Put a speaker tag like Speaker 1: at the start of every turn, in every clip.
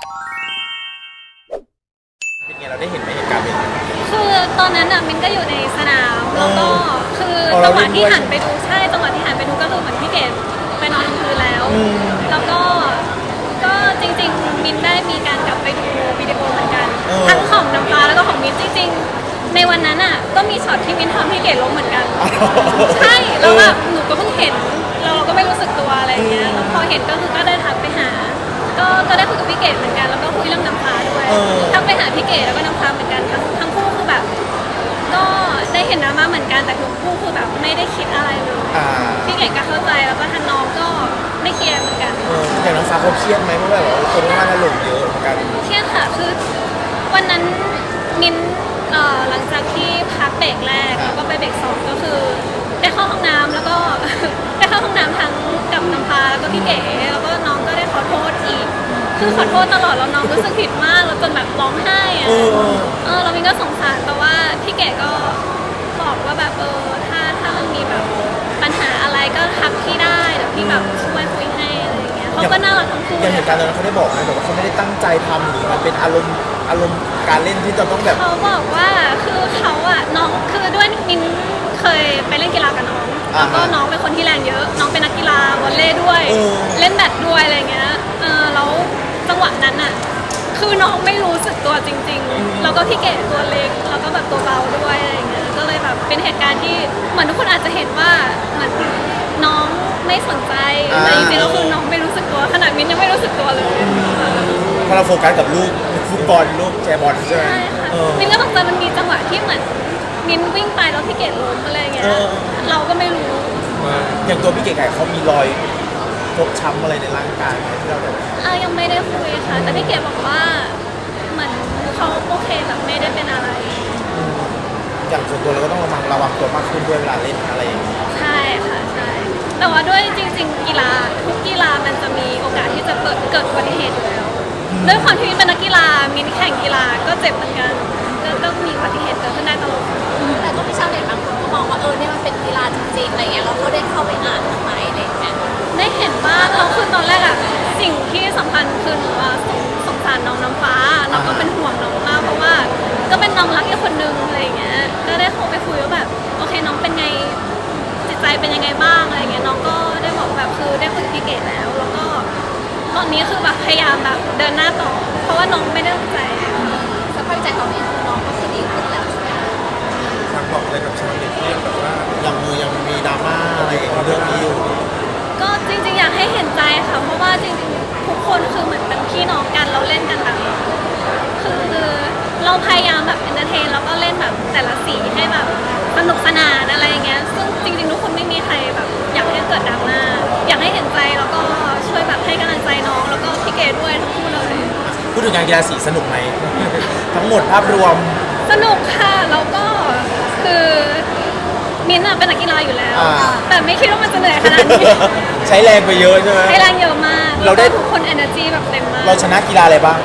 Speaker 1: เป็นไงเราได้เห็นไหมเหตุการณ์เป็นไง
Speaker 2: คือตอนนั้นอ่ะมินก็อยู่ในสนามแล้วก็คือจังหวะที่หันไปดูใช่จังหวะที่หันไปดูก็คือเหมือนพี่เกดไปนอนลงพื้นแล้วแล้วก็จริงๆมินได้มีการกลับไปดูวิดีโอเหมือนกันทั้งของน้ำฟ้าแล้วก็ของมินจริงๆในวันนั้นอ่ะก็มีช็อตที่มินทำพี่เกดล้มเหมือนกันใช่แล้วแบบหนูก็เพิ่งเห็นเราก็ไม่รู้สึกตัวอะไรเงี้ยแล้วพอเห็นก็คือก็ได้ทักไปหาก็ได้คุยกับพี่เกดเหมือนกันแล้วก็คุยเรื่องน้ำฟ้าด้วยทักไปหาพี่เกดแล้วก็น้ำฟ้าเหมือนกันทั้งคู่คือแบบก็ได้เห็นดราม่าเหมือนกันแต่ทั้งคู่คือแบบไม่ได้คิดอะไรเลยพี่เกดก็เข้าใจแล้วก็ทางน้องก็ไม่เครียดเหมือนกัน
Speaker 1: อย่างน้องฟ้าเขาเครียดไหมเพราะแบบคนว่าถล่มเยอะเหมือนกัน
Speaker 2: เครียดค่ะคือวันนั้นมินหลังจากที่พักเบรกแรกแล้วก็ไปเบรก2ก็คือได้เข้าห้องน้ำแล้วก็ ได้เข้าห้องน้ำทั้งกับน้ำฟ้าแล้วก็พี่เก๋แล้วก็น้องก็ได้ขอโทษอีกคือขอโทษตลอดแล้วน้องรู้สึกผิดมากแล้วจนแบบร้องไห้อะเรามินก็สงสารแต่ว่าพี่เก๋ก็บอกว่าแบบถ้ามันมีแบบปัญหาอะไรก็ทักพี่ได้เดี๋ยวพี่แบบช่วยคุยให้อะไรอย่างเงี้ยเขาก็น่ารักทั้งคู่
Speaker 1: อย่างเหตุการณ์ตอนนั้นเขาได้บอกไหมแบบว่าเขาไม่ได้ตั้งใจทำหรือมันเป็นอารมณ์การเล่นที่จะต้องแบบ
Speaker 2: เขาบอกว่าคือเขาอะน้องคือด้วยมินเคยไปเล่นกีฬากับน้องแล้วก็น้องเป็นคนที่แรงเยอะน้องเป็นนักกีฬาวอลเลย์ด้วยเล่นแบดด้วยอะไรเงี้ยแล้วจังหวะนั้นอะคือน้องไม่รู้สึกตัวจริงๆแล้วก็พี่เก๋ตัวเล็กแล้วก็แบบตัวเบาด้วยอะไรเงี้ยก็เลยแบบเป็นเหตุการณ์ที่เหมือนทุกคนอาจจะเห็นว่าเหมือนน้องไม่สนใจแต่จริงๆแล้วคือน้องไม่รู้สึกตัวขนาดมินยังไม่รู้สึกตัวเลย
Speaker 1: พอเราโฟกัสกับลูกฟุตบอลลูกแชร์บอลใช่ไหม
Speaker 2: มินก็ตกใจมันมีจังหวะที่เหมือนมินวิ่งไปแล้วพี่เกดล้มอะไรเงี้ยเราก็ไม่รู้
Speaker 1: อย่างตัวพี่เก๋ไก่เขามีรอยฟกช้ำอะไรในร่างกายที่เราแบบ
Speaker 2: ยังไม่ได้คุยค่ะแต่พี่เกดบอกว่าเหมือนเขาโอเคแบบไม่ได้เป็นอะไร
Speaker 1: อย่างส่วนตัวเราก็ต้องระวังตัวมากขึ้นด้วยเวลาเล่นอะไรอย่างนี้
Speaker 2: ใช่ค่ะใช่แต่ว่าด้วยจริงๆกีฬาทุกกีฬามันจะมีโอกาสที่จะเกิดอุบัติเหตุอยู่แล้วด้วยความที่เป็นนักกีฬามินแข่งกีฬาก็เจ็บเหมือนกันก็มีอุบัติเหตุเกิดขึ้นได้ตลอด
Speaker 3: แต่ก็มีชาวเน็ตบางคนก็มองว่าเนี่ยมันเป็นกีฬาจริงๆอะไรเงี้ยเราก็ได้เข้าไปอ่านทำไมอะไรเงี้ย
Speaker 2: ได้เห็นบ้างแล้วคือตอนแรกอะสิ่งที่สำคัญคือหนูสงสารน้องน้ำฟ้าน้องก็เป็นห่วงน้องมากเพราะว่าก็เป็นน้องรักอีกคนนึงอะไรเงี้ยก็ได้โทรไปคุยว่าแบบโอเคน้องเป็นไงจิตใจเป็นยังไงบ้างอะไรเงี้ยน้องก็ได้บอกแบบคือได้คุยกับพี่เกดแล้วก็ตอนนี้คือแบบพยายามแบบเดินหน้าต่อเพราะว่าน้องไม่ได้ตั้งใจ
Speaker 3: สภาพใจตอนนี้คือน้องก็คือดีขึ้นแล้วใช่ไหม
Speaker 1: ฝากบอกอะไรกับชาวเน็ตที่แบบว่ายังมีดราม่าอะไรเรื่องนี้อยู่
Speaker 2: ก็จริงๆอยากให้เห็นใจค่ะเพราะว่าจริงๆทุกคนคือเหมือนเป็นพี่น้องกันเราเล่นกันแบบคือเราพยายามแบบเอนเตอร์เทนแล้วก็เล่นแบบแต่ละสีให้แบบสนุกสนานอะไรอย่างเงี้ยซึ่งจริงๆทุกคนไม่มีใครแบบอยากให้เกิดดราม่าอยากให้เห็นใจแล้วก็ช่วยแบบให้กำลังใจน้องแล้วก็พี่เกดด้วยทั้งคู่เลย
Speaker 1: พูดถึงงานกีฬาสีสนุกไหม ทั้งหมดภาพรวม
Speaker 2: สนุกค่ะแล้วก็คือมินเป็นนักกีฬาอยู่แล้วแต่ไม่คิดว่ามันจะเหนื่อยขนาดนี้
Speaker 1: ใช้แรงไปเยอะใช่ไหม
Speaker 2: ใช้แรงเยอะมากเราได้ทุกคน energy แบบเต็มมาก
Speaker 1: เราชนะกีฬาอะไรบ้าง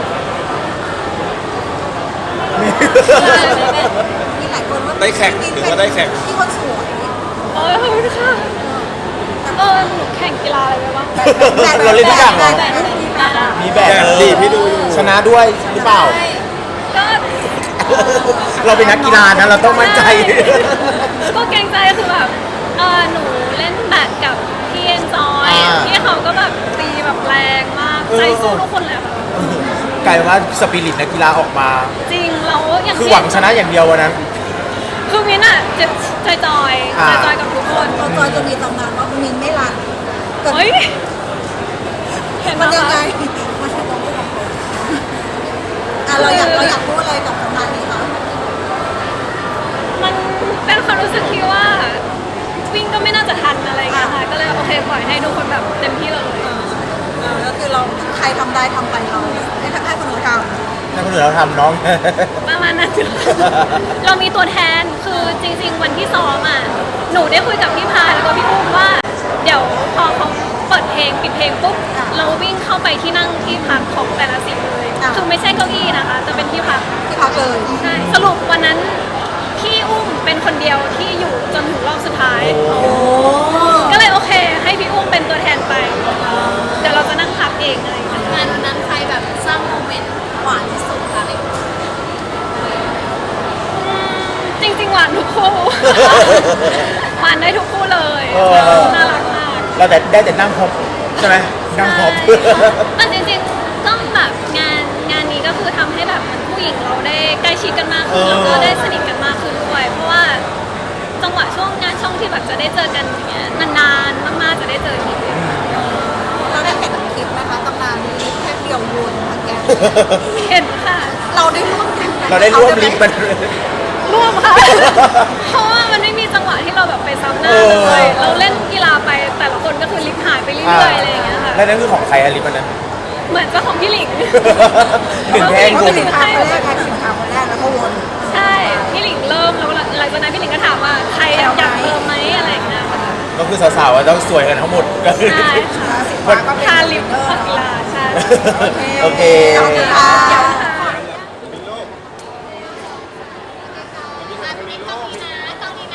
Speaker 3: มีหลายคนว่า
Speaker 1: ได้แข่งหรือว่าได้แข่ง
Speaker 3: ที่คนสวย
Speaker 2: ขอบคุณค่ะหนูแข่งกีฬาอะไรไปบ้าง
Speaker 1: เราเล่นทุกอย่างเหรอมีแบบดีพี่ดูชนะด้วยหรือเปล่า
Speaker 2: ก็
Speaker 1: เราเป็นนักกีฬานะเราต้องมั่นใจ
Speaker 2: ก็เกรงใจคือแบบหนูเล่นแบดกับพี่เอ็นจอยพี่เขาก็แบบตีแบบแรงมากใจสู้ทุกคนเลยค่ะ
Speaker 1: กลายว่าสปิริตนักกีฬาออกมา
Speaker 2: จริงเราอย่าง
Speaker 1: คือหวังชนะอย่างเดียววันนั้น
Speaker 2: คือมินจะจอยกับทุกคน
Speaker 3: จอยจะมีตำนานว่ามินไม่รัน
Speaker 2: เฮ้ยเห็น
Speaker 3: มันยังไงมันจะต้องพูดเราอยากพูดอะไรกับตำนานนี้คะ
Speaker 2: มันเป็นความรู้สึกที่ว่าวิ่งก็ไม่น่าจะทันอะไรเงี้ยค่ะก็เลยโอเคปล่อยให้ทุกคนแบบเต็มที่เลย
Speaker 3: ก็คือเราใครทำได้ทำไปเราให้คนอื่นทำ
Speaker 1: ให้คนอื่นเราทำน้อง
Speaker 2: ประมาณนั้นเรามีตัวแทนคือจริงๆวันที่ซ้อมหนูได้คุยกับพี่พาแล้วก็พี่อุ้มว่าเดี๋ยวพอเขาเปิดเพลงปิดเพลงปุ๊บเราวิ่งเข้าไปที่นั่งที่พักของแต่ละสีเลยคือไม่ใช่เก้าอี้นะคะจะเป็นที่พัก
Speaker 3: เลย
Speaker 2: ใช่สรุปวันนั้นพี่อุ้มเป็นคนเดียวที่อยู่จนถึงรอบสุดท้ายก็เลยโอเคให้พี่อุ้มเป็นตัวแทนไปเดี๋ยวเราจะนั่งพักเองอะไร
Speaker 3: งานวันนั้นใครแบบสร้างโมเมนต์
Speaker 2: ปานได้ทุกคู่เลย น่ารักมาก
Speaker 4: เราแต่ได้แต่นั่งฮอปใช่ไหมนั่งฮอป
Speaker 2: แต่จริงๆต้องแบบงานนี้ก็คือทำให้แบบเหมือนผู้หญิงเราได้ใกล้ชิดกันมากขึ้นแล้วก็ได้สนิทกันมากขึ้นด้วย เพราะว่าจังหวะช่วงงานช่องที่แบบจะได้เจอกันอย่างเงี้ยนานๆมากๆจะได้เจอที
Speaker 3: เราได้เห็นคลิปไหมคะตำนานนี้แค่เดียววนทั้งแก
Speaker 2: เห็นค่ะ
Speaker 3: เราได้ร่วมกันไหม
Speaker 4: เราได้ร่วมลิฟต์มัน
Speaker 2: ร่วมค่ะ เพราะว่ามันไม่มีจังหวะที่เราแบบไปซ้ำหน้าเลย เราเล่นกีฬาไปแต่ละคนก็คือลิฟต์หายไปเรื่อยๆอะไรอย่างเงี้ยค่ะ
Speaker 4: แล้วนั่นคือของใครอะลิฟต์มันนั้น
Speaker 2: เหมือนเจ้าของพี่หลิง
Speaker 4: หนึ่งแท่ง
Speaker 2: เขา
Speaker 4: คุณ
Speaker 2: ถือให้
Speaker 3: คนแรกใครสินค้าคนแรกแล้วก็วน
Speaker 2: ใช่ พี่หลิงเริ่มแล้วหลังจากนั้นพี่หลิงก็ถามว่าใครอยากเติมไหมอะไรอย่างเงี้ยค่ะ
Speaker 4: ก็คือสาวๆอะต้องสวยกันทั้งหมดก็คือ
Speaker 2: ใช่ค่ะ
Speaker 4: มัน
Speaker 2: ทาลิปของกีฬาใช่
Speaker 4: โอเค
Speaker 3: ขอบคุณค่ะ
Speaker 2: เดี๋ยวค่ะ
Speaker 3: ตอนนี้นะ